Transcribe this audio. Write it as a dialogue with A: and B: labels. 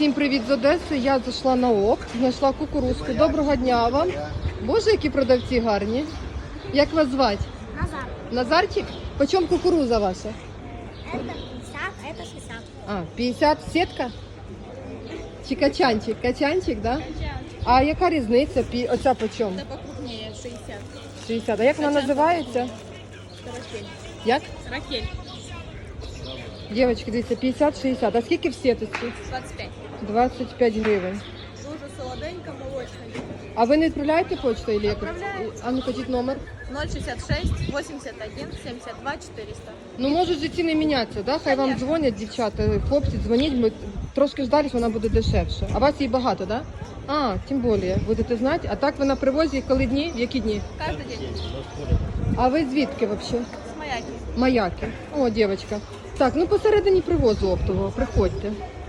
A: Всім привіт з Одеси. Я зайшла на ОК, знайшла кукурузку. Доброго дня вам. Боже, які продавці гарні. Як вас звати?
B: Назар.
A: Назарчик? Почем кукуруза ваша?
B: Это 50, а это 60.
A: А, 50 сітка? Чи качанчик? Качанчик, да? А яка різниця? Оця почем?
C: Это покрупнее, 60.
A: 60. А як вона називається?
C: Это ракель.
A: Як?
C: Ракель.
A: Дівчатки, дивіться, 50-60. А скільки в сіточці?
C: 25.
A: 25 гривень.
C: Дуже солоденько, молочно.
A: А ви не відправляєте почту? Или якось?
C: Відправляю.
A: А ну кажіть номер.
C: 066 81 72 400.
A: Ну, можуть же ціни мінятися, да? Хай вам
C: Конечно.
A: дзвонять, дівчата, хлопці, дзвоніть, ми трошки ждались, вона буде дешевше. А вас її багато, да? А, тим більше, будете знати. А так ви на привозі коли дні? В які дні?
C: Каждый день.
A: А ви звідки взагалі?
C: С маяки.
A: Маяки. О, дівчатка. Так, ну посередині привозу оптового, приходьте.